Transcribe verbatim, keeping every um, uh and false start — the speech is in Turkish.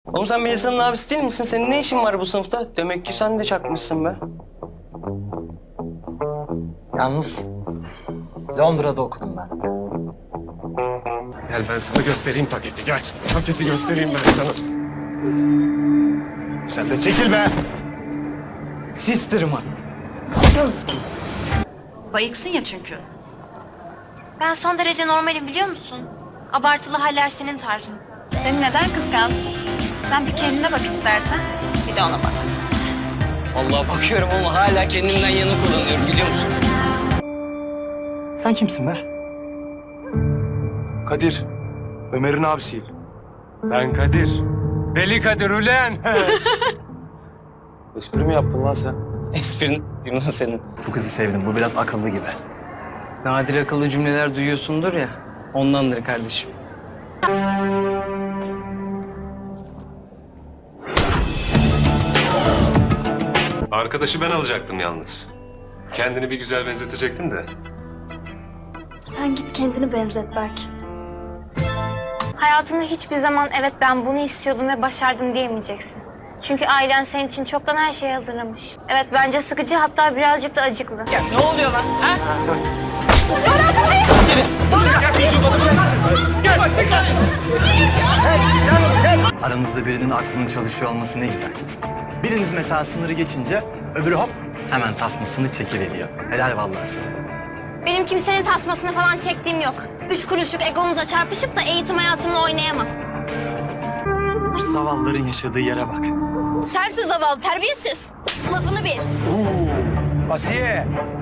Oğlum sen Melisa'nın abisi değil misin? Senin ne işin var bu sınıfta? Demek ki sen de çakmışsın be. Yalnız Londra'da okudum ben. Gel ben sana göstereyim paketi, gel. Paketi göstereyim ben sana. Sen de çekil be! Sister'ıma. Bayıksın ya çünkü. Ben son derece normalim biliyor musun? Abartılı haller senin tarzın. Seni neden kıskansın? Sen bir kendine bak istersen, bir de ona bak. Vallahi bakıyorum ama hala kendimden yana kullanıyorum biliyor musun? Sen kimsin be? Kadir, Ömer'in abisiyim. Ben Kadir. Deli Kadir ulen! Espri mi yaptın lan sen? Esprin lan senin. Bu kızı sevdim. Bu biraz akıllı gibi. Nadir akıllı cümleler duyuyorsundur ya. Ondandır kardeşim. Arkadaşı ben alacaktım yalnız. Kendini bir güzel benzetecektim de. Sen git kendini benzet Berk. Hayatında hiçbir zaman evet ben bunu istiyordum ve başardım diyemeyeceksin. Çünkü ailen senin için çoktan her şeyi hazırlamış. Evet bence sıkıcı hatta birazcık da acıklı. Ya ne oluyor lan? Ha? Aranızda birinin aklının çalışıyor olması ne güzel. Biriniz mesela sınırı geçince öbürü hop hemen tasmasını çekiveriyor. Helal vallahi size. Benim kimsenin tasmasını falan çektiğim yok. Üç kuruşluk egonuza çarpışıp da eğitim hayatımla oynayamam. Zavallıların yaşadığı yere bak. Sensiz zavallı terbiyesiz. Lafını bil. Asiye,